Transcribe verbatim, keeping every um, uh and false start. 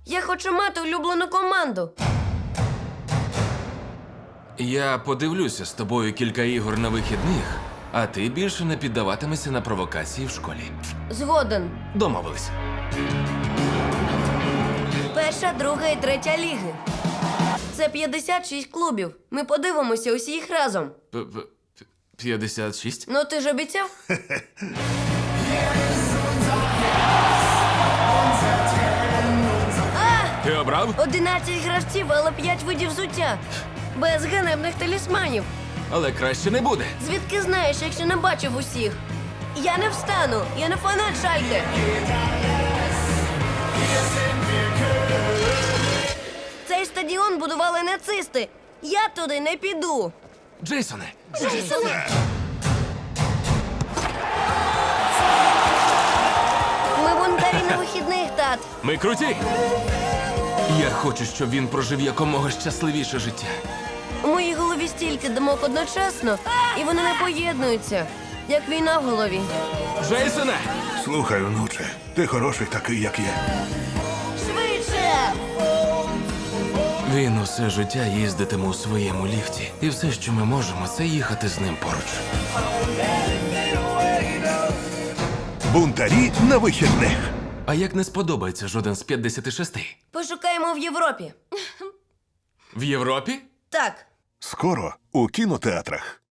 Я хочу мати улюблену команду. Я подивлюся з тобою кілька ігор на вихідних, а ти більше не піддаватимешся на провокації в школі. Згоден. Домовились. Перша, друга і третя ліги. Це п'ятдесят шість клубів. Ми подивимося усі їх разом. П- п- п- п'ятдесят шість? Ну ти ж обіцяв? Ти обрав? одинадцять гравців, але п'ять видів взуття. Без ганебних талісманів. Але краще не буде. Звідки знаєш, якщо не бачив усіх? Я не встану, я не фанат Шальке. Цей стадіон будували нацисти. Я туди не піду. Джейсоне, Ми бунтарі на вихідних, тат. ми круті! Я хочу, щоб він прожив якомога щасливіше життя. У моїй голові стільки думок одночасно, і вони не поєднуються, як війна в голові. Джейсоне! Слухай, внуче, ти хороший такий, як є. Швидше! Він усе життя їздитиме у своєму ліфті. І все, що ми можемо, це їхати з ним поруч. Бунтарі на вихідних. А як не сподобається жоден з п'ятдесят шість? Пошукаємо в Європі. В Європі? Так. Скоро у кінотеатрах.